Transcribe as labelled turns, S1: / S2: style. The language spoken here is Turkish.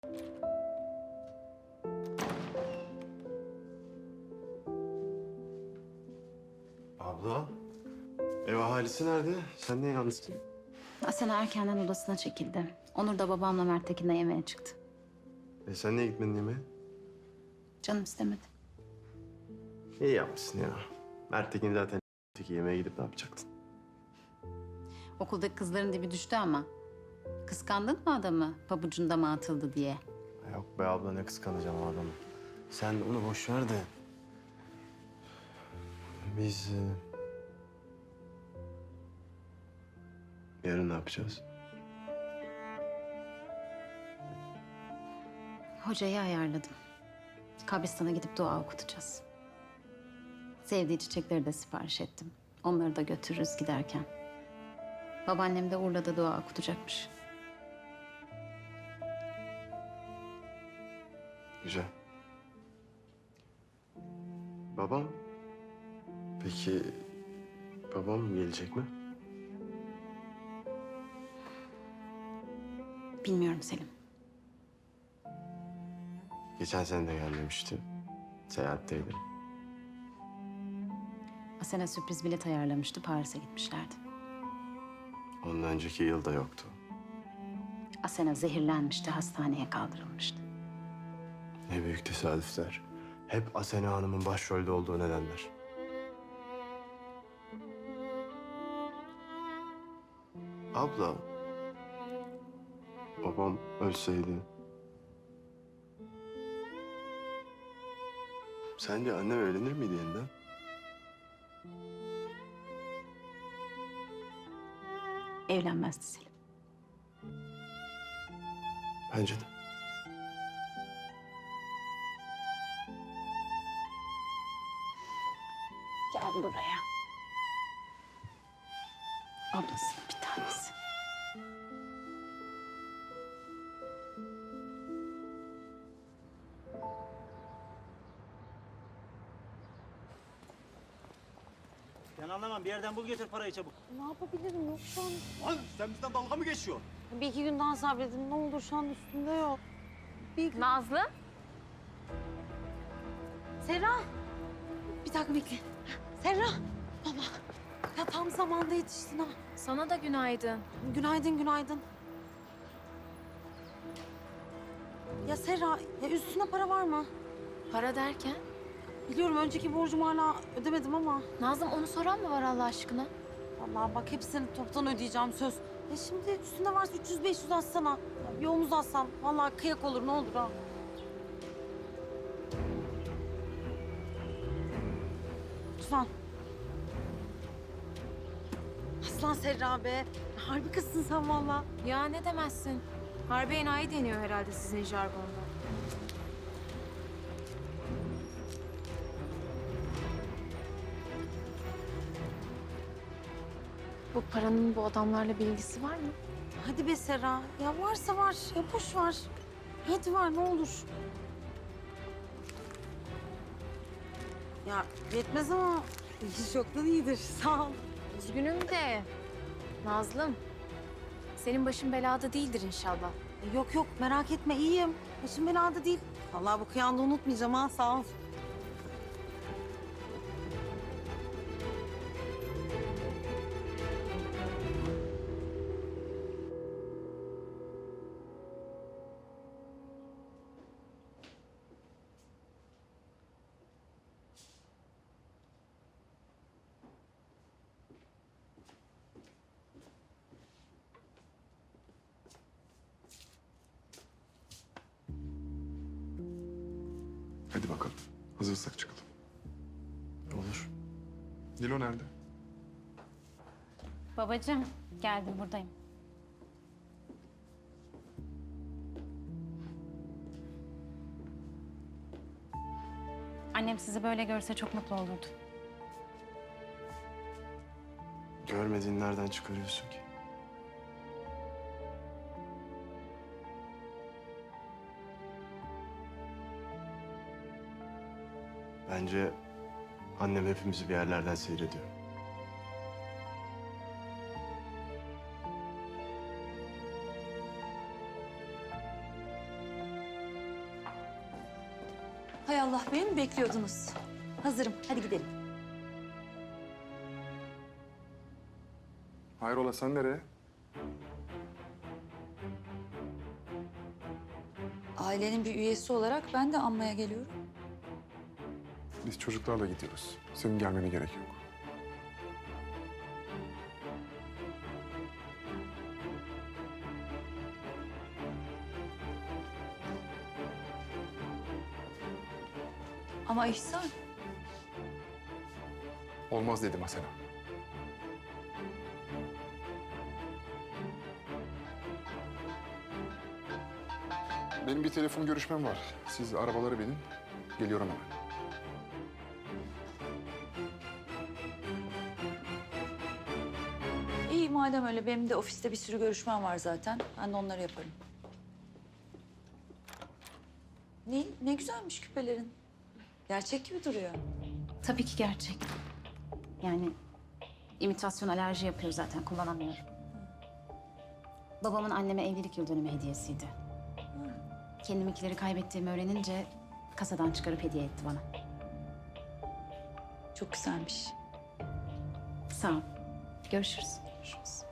S1: Abla, ev ahalisi nerede? Sen niye yalnızsın?
S2: Asena erkenden odasına çekildi. Onur da babamla Mert'tekin'le yemeğe çıktı.
S1: Sen niye gitmedin yemeğe?
S2: Canım istemedi.
S1: İyi yapmışsın ya. Mert'tekin zaten yemeğe gidip ne yapacaktın?
S2: Okuldaki kızların dibi düştü ama. Kıskandın mı adamı pabucunda mı atıldı diye?
S1: Yok be abla, ne kıskanacağım o adamı. Sen onu boş ver de. Biz yarın ne yapacağız?
S2: Hocayı ayarladım. Kabristan'a gidip dua okutacağız. Sevdiği çiçekleri de sipariş ettim. Onları da götürürüz giderken. Babaannem de Urla'da dua okutacakmış.
S1: Güzel. Babam? Peki babam gelecek mi?
S2: Bilmiyorum Selim.
S1: Geçen sene de gelmemişti. Seyahatteydi.
S2: Asena sürpriz bilet ayarlamıştı. Paris'e gitmişlerdi.
S1: Ondan önceki yıl da yoktu.
S2: Asena zehirlenmişti. Hastaneye kaldırılmıştı.
S1: Ne büyük tesadüfler. Hep Asena Hanım'ın başrolde olduğu nedenler. Abla, babam ölseydi... Sence annem evlenir miydi yeniden?
S2: Evlenmezdi Selim.
S1: Bence de.
S2: Gel buraya. Ablasının bir tanesi.
S3: Ben anlamam. Bir yerden bul getir parayı çabuk.
S4: Ne yapabilirim? Yok şu an.
S3: Lan sen bizden dalga mı geçiyorsun?
S4: Bir iki gün daha sabredin. Ne olur şu an üstünde yok. Bir gün...
S5: Nazlı?
S4: Serra! Bir dakika bekle. Serra! Baba. Ya tam zamanda yetiştin ha.
S5: Sana da günaydın.
S4: Günaydın, günaydın. Ya Serra, ya üstüne para var mı?
S5: Para derken?
S4: Biliyorum önceki borcumu hala ödemedim ama...
S5: Nazım onu soran mı var Allah aşkına?
S4: Vallahi bak hepsini toptan ödeyeceğim söz. Ya şimdi üstünde varsa 300-500 atsana. Ya bir omuz atsan. Vallahi kıyak olur ne olur ha. Lütfen. Aslan Serra be. Harbi kızsın sen vallahi.
S5: Ya ne demezsin. Harbi enayi deniyor herhalde sizin jargonda. Bu paranın bu adamlarla bir ilgisi var mı?
S4: Hadi be Serra. Ya varsa var. Ya boş var. Hadi var ne olur. Ya yetmez ama çoktan iyidir. Sağ ol.
S5: Üzgünüm de. Nazlım. Senin başın belada değildir inşallah.
S4: Yok yok merak etme iyiyim. Başım belada değil. Vallahi bu kıyanda unutmayacağım ha sağ ol.
S6: Hadi bakalım. Hazırsak çıkalım.
S1: Olur.
S6: Dilo nerede?
S2: Babacığım, geldim buradayım. Annem sizi böyle görse çok mutlu olurdu.
S1: Görmediğin nereden çıkarıyorsun ki? Bence annem hepimizi bir yerlerden seyrediyor.
S7: Hay Allah, beni mi bekliyordunuz? Hazırım, hadi gidelim.
S6: Hayrola sen nereye?
S7: Ailenin bir üyesi olarak ben de anmaya geliyorum.
S6: Biz çocuklarla gidiyoruz. Senin gelmene gerek yok.
S7: Ama İhsan,
S6: Olmaz dedim Asena. Benim bir telefon görüşmem var. Siz arabalara binin. Geliyorum hemen.
S7: iyi madem öyle, benim de ofiste bir sürü görüşmem var zaten. Ben de onları yaparım. Ne güzelmiş küpelerin. Gerçek gibi duruyor.
S2: Tabii ki gerçek. Yani imitasyon alerji yapıyor zaten, kullanamıyorum. Babamın anneme evlilik yıl dönümü hediyesiydi. Kendimkileri kaybettiğimi öğrenince kasadan çıkarıp hediye etti bana.
S7: Çok güzelmiş.
S2: Sağ ol. Görüşürüz. Görüşürüz.